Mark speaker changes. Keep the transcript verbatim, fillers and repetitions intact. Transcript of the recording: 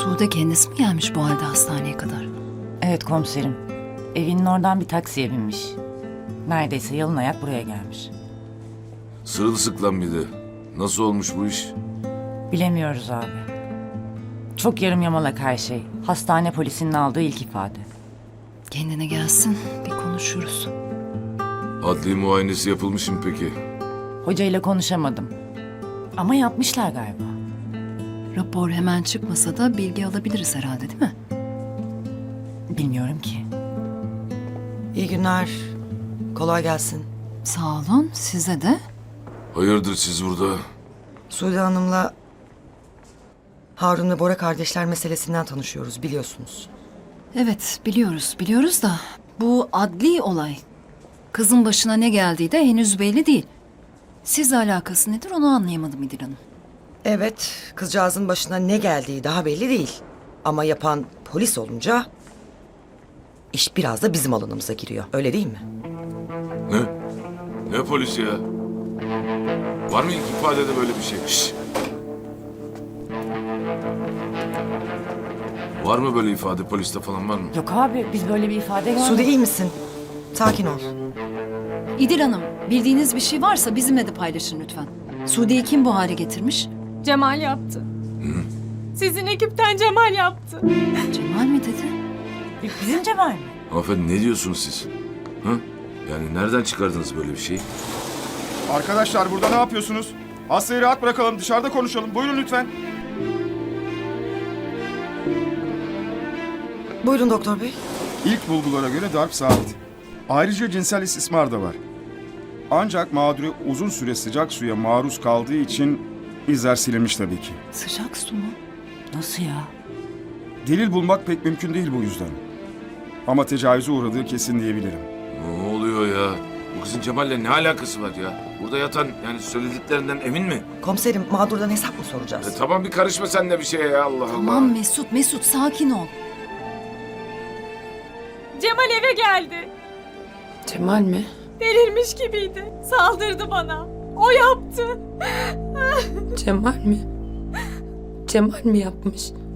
Speaker 1: Sude kendisi mi gelmiş bu halde hastaneye kadar?
Speaker 2: Evet komiserim. Evinin oradan bir taksiye binmiş. Neredeyse yalın ayak buraya gelmiş.
Speaker 3: Sırılsıklam bir de. Nasıl olmuş bu iş?
Speaker 2: Bilemiyoruz abi. Çok yarım yamalak her şey. Hastane polisinin aldığı ilk ifade.
Speaker 1: Kendine gelsin, bir konuşuruz.
Speaker 3: Adli muayenesi yapılmış mı peki?
Speaker 2: Hocayla konuşamadım. Ama yapmışlar galiba.
Speaker 1: Rapor hemen çıkmasa da bilgi alabiliriz herhalde, değil mi?
Speaker 2: Bilmiyorum ki.
Speaker 4: İyi günler. Kolay gelsin.
Speaker 1: Sağ olun, size de.
Speaker 3: Hayırdır siz burada?
Speaker 4: Sude Hanım'la Harun ve Bora kardeşler meselesinden tanışıyoruz biliyorsunuz.
Speaker 1: Evet, biliyoruz, biliyoruz da bu adli olay. Kızın başına ne geldiği de henüz belli değil. Sizle alakası nedir onu anlayamadım İdil Hanım.
Speaker 4: Evet, kızcağızın başına ne geldiği daha belli değil. Ama yapan polis olunca iş biraz da bizim alanımıza giriyor. Öyle değil mi?
Speaker 3: Ne? Ne polisi ya? Var mı ilk ifadede böyle bir şey? Şşş! Var mı böyle ifade poliste falan var mı?
Speaker 2: Yok abi biz böyle bir ifade görmedik.
Speaker 4: Sude iyi misin? Sakin ol.
Speaker 1: İdil Hanım, bildiğiniz bir şey varsa bizimle de paylaşın lütfen. Sude'yi kim bu hale getirmiş?
Speaker 5: Cemal yaptı. Sizin ekipten Cemal yaptı.
Speaker 1: Cemal mi dedi?
Speaker 2: Bizim Cemal mi?
Speaker 3: Hanımefendi ne diyorsunuz siz? Hı? Yani nereden çıkardınız böyle bir şeyi?
Speaker 6: Arkadaşlar burada ne yapıyorsunuz? Hastayı rahat bırakalım, dışarıda konuşalım. Buyurun lütfen.
Speaker 4: Buyurun doktor bey.
Speaker 6: İlk bulgulara göre darp sabit. Ayrıca cinsel istismar da var. Ancak mağduru uzun süre sıcak suya maruz kaldığı için izler silinmiş tabii ki.
Speaker 1: Sıcak su mu?
Speaker 2: Nasıl ya?
Speaker 6: Delil bulmak pek mümkün değil bu yüzden. Ama tecavüze uğradığı kesin diyebilirim.
Speaker 3: Ne oluyor ya? Bu kızın Cemal'le ne alakası var ya? Burada yatan yani söylediklerinden emin mi?
Speaker 4: Komiserim mağdurdan hesap mı soracağız?
Speaker 3: E, tamam bir karışma sen de bir şeye ya Allah Allah.
Speaker 1: Tamam Mesut, Mesut sakin ol.
Speaker 5: Cemal eve geldi.
Speaker 7: Cemal mi?
Speaker 5: Delirmiş gibiydi. Saldırdı bana. O yaptı.
Speaker 7: Cemal mi? Cemal mi yapmış?